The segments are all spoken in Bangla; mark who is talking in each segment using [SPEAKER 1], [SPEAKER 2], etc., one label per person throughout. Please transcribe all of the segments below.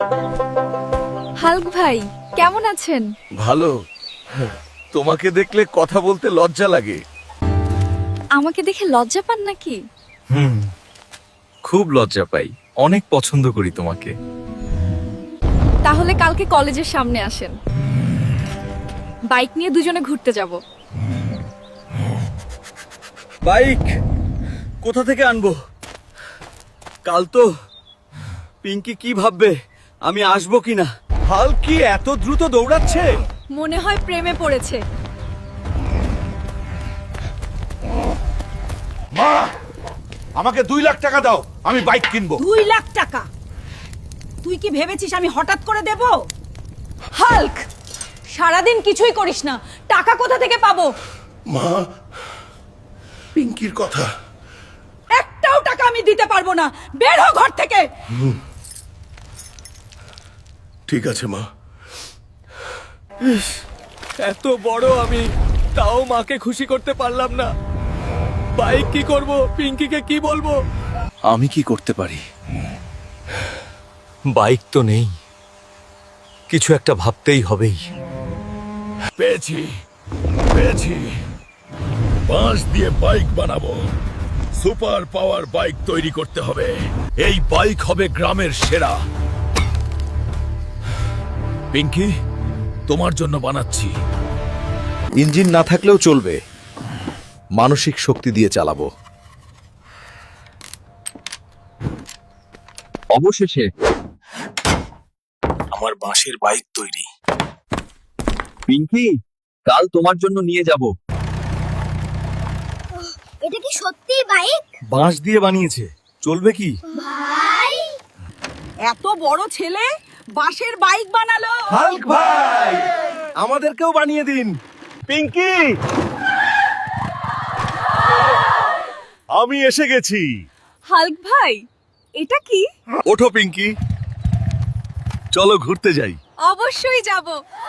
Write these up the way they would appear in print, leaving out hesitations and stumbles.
[SPEAKER 1] হাল্ক ভাই কেমন আছেন?
[SPEAKER 2] ভালো। তোমাকে দেখলে কথা বলতে লজ্জা লাগে।
[SPEAKER 1] আমাকে দেখে লজ্জা পান নাকি?
[SPEAKER 2] খুব লজ্জা পাই, অনেক পছন্দ করি তোমাকে।
[SPEAKER 1] তাহলে কালকে কলেজের সামনে আসেন, বাইক নিয়ে দুজনে ঘুরতে যাব।
[SPEAKER 2] বাইক কোথা থেকে আনবো? কাল তো পিঙ্কি কি ভাববে আমি আসবো কিনা? হাল্ক কি এত দ্রুত দৌড়াচ্ছে?
[SPEAKER 1] মনে হয় প্রেমে পড়েছে।
[SPEAKER 3] মা, আমাকে 2 লাখ টাকা দাও, আমি বাইক কিনবো।
[SPEAKER 4] 2 লাখ টাকা? তুই কি ভেবেছিস আমি হঠাৎ করে দেব? হাল্ক, সারাদিন কিছুই করিস না, টাকা কোথা থেকে পাবো?
[SPEAKER 3] মা, পিঙ্কির কথা।
[SPEAKER 4] একটাও টাকা আমি দিতে পারবো না, বের হ ঘর থেকে।
[SPEAKER 3] ঠিক আছে মা।
[SPEAKER 2] এত বড় আমি, তাও মাকে খুশি করতে পারলাম না। বাইক কি করব, পিঙ্কিকে কি বলবো? আমি কি করতে পারি? বাইক তো নেই, কিছু একটা ভাবতেই হবেই।
[SPEAKER 3] পেয়েছি পেয়েছি, বাঁশ দিয়ে বাইক বানাবো। সুপার পাওয়ার বাইক তৈরি করতে হবে। এই বাইক হবে গ্রামের সেরা। পিঙ্কি, তোমার জন্য বানাচ্ছি।
[SPEAKER 5] ইঞ্জিন না থাকলেও চলবে, মানসিক শক্তি দিয়ে চালাবো।
[SPEAKER 2] অবশেষে আমার বাঁশের বাইক তৈরি। পিঙ্কি, কাল তোমার জন্য নিয়ে যাব।
[SPEAKER 6] এটা কি সত্যিই বাইক?
[SPEAKER 2] বাঁশ দিয়ে বানিয়েছে, চলবে কি?
[SPEAKER 6] ভাই,
[SPEAKER 4] এত বড় ছেলে বাঁশের বাইক বানালো।
[SPEAKER 2] হাল্ক ভাই, আমাদেরকেও বানিয়ে দিন। পিঙ্কি,
[SPEAKER 3] আমি এসে গেছি।
[SPEAKER 1] হাল্ক ভাই, এটা কি?
[SPEAKER 3] ওঠো পিঙ্কি, চলো ঘুরতে যাই।
[SPEAKER 1] অবশ্যই যাব।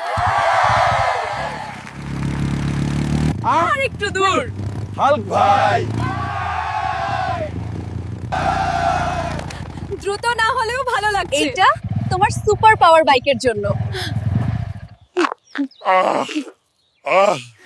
[SPEAKER 1] আর একটু দূর।
[SPEAKER 3] হাল্ক ভাই,
[SPEAKER 1] দ্রুত না হলেও ভালো লাগছে। এটা তোমার সুপার পাওয়ার বাইকের জন্য।
[SPEAKER 3] আহ